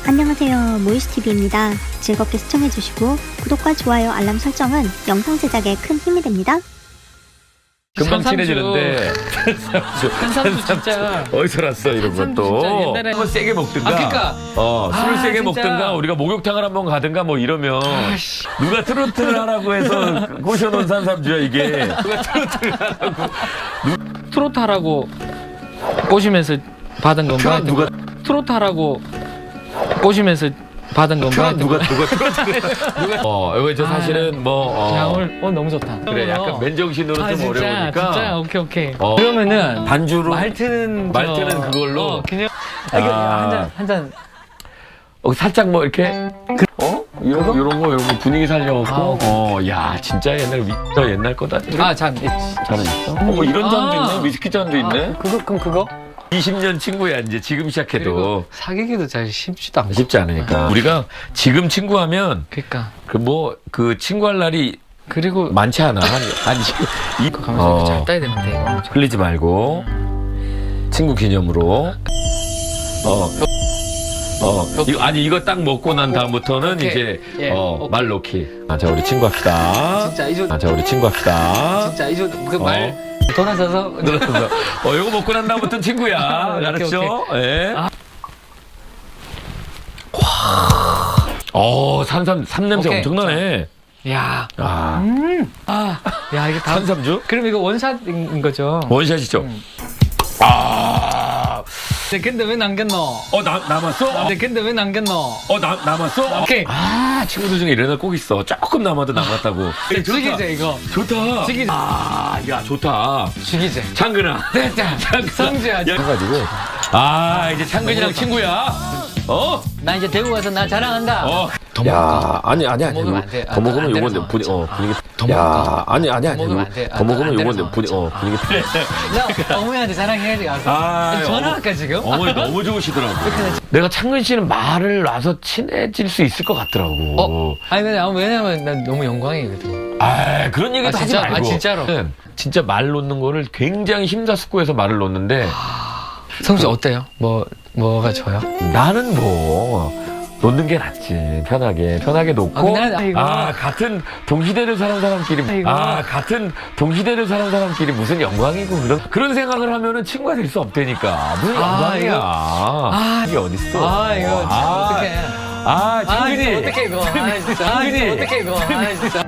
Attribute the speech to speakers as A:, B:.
A: 안녕하세요, 모이스TV입니다. 즐겁게 시청해주시고 구독과 좋아요, 알람 설정은 영상 제작에 큰 힘이 됩니다.
B: 금방
C: 산삼주.
B: 친해지는데
C: 산삼주 진짜
B: 어디서 났어 이런
C: 산삼주
B: 것도
C: 진짜 옛날에
B: 한번 세게 먹든가
C: 그러니까.
B: 술을 세게
C: 진짜.
B: 먹든가 우리가 목욕탕을 한번 가든가 뭐 이러면 누가 트로트를 하라고 해서 꼬셔놓은 산삼주야 이게 누가 트로트를 하라고
C: 트로트 하라고 꼬시면서 받은 건가?
B: 누가
C: 트로트 하라고 꼬시면서 받은 건가?
B: 누가 트로트를 이거 저 사실은
C: 야 오늘 너무 좋다.
B: 그래 약간 맨정신으로 좀
C: 진짜,
B: 어려우니까
C: 진짜 오케이.
B: 어.
C: 그러면은
B: 반주로
C: 말트는
B: 그걸로
C: 그냥 한잔
B: 살짝 뭐 이렇게 이런 거 분위기 살려갖고 야 진짜 옛날 거다.
C: 잔
B: 잔은 있어? 뭐 이런 잔도 있네. 위스키 잔도 있네.
C: 그거
B: 20년 친구야 이제 지금 시작해도
C: 그리고 사귀기도 잘 쉽지도 않고.
B: 쉽지 않으니까 우리가 지금 친구하면
C: 그러니까
B: 그 친구할 날이
C: 그리고
B: 많지 않아. 이
C: 가면서 잘 따야 되는데 이거.
B: 흘리지 말고 친구 기념으로 이거 딱 먹고 난 다음부터는
C: 오케이.
B: 이제
C: 예. 오케이.
B: 말 놓기. 자 우리 친구 합시다.
C: 진짜 이조
B: 자 우리 친구 합시다.
C: 진짜 이조 그말 돌아서서
B: 늘어서 이거 먹고 난 다음부터는 친구야. 알았죠? 예. 삼 냄새
C: 오케이.
B: 엄청나네.
C: 야. 야 이게 다
B: 산삼주?
C: 그럼 이거 원샷인 거죠?
B: 원샷이죠.
C: 근데 왜 남겼노?
B: 남았어?
C: 근데 왜 남겼노?
B: 남았어?
C: 오케이.
B: 친구들 중에 이런 애 꼭 있어. 조금 남아도 남았다고.
C: 죽이제 이거.
B: 좋다.
C: 죽이제.
B: 야, 좋다.
C: 죽이제.
B: 창근아.
C: 됐다. 성주야.
B: 해가지고. 이제 창근이랑 친구야.
C: 나 이제 대구 가서 나 자랑한다. 더
B: 야, 아니.
C: 먹으면 안 돼.
B: 더 먹으면
C: 안
B: 요건데
C: 되는
B: 분위기.
C: 더
B: 야,
C: 먹을까?
B: 아니.
C: 먹으면 안 돼.
B: 더 먹으면
C: 안 되는
B: 요건데 분위기.
C: 나 어머니한테 자랑해야지 가서. 전화할까 지금?
B: 어머니 너무 좋으시더라고. 내가 창근 씨는 말을 놔서 친해질 수 있을 것 같더라고.
C: 아니 왜냐면 난 너무 영광이거든.
B: 그런 얘기도 하지
C: 진짜?
B: 말고.
C: 진짜로.
B: 진짜 말 놓는 거를 굉장히 심사숙고해서 말을 놓는데
C: 성주 어때요? 뭐가 좋아요?
B: 나는 놓는 게 낫지. 편하게 놓고. 같은 동시대를 사는 사람끼리. 같은 동시대를 사는 사람끼리 무슨 영광이고 그런 생각을 하면은 친구가 될 수 없다니까. 무슨 영광이야. 이게 어딨어.
C: 이거 어떡해.
B: 창근이.
C: 어떡해 이거. 진짜.
B: 창근이.
C: 어떡해 이거. 진짜.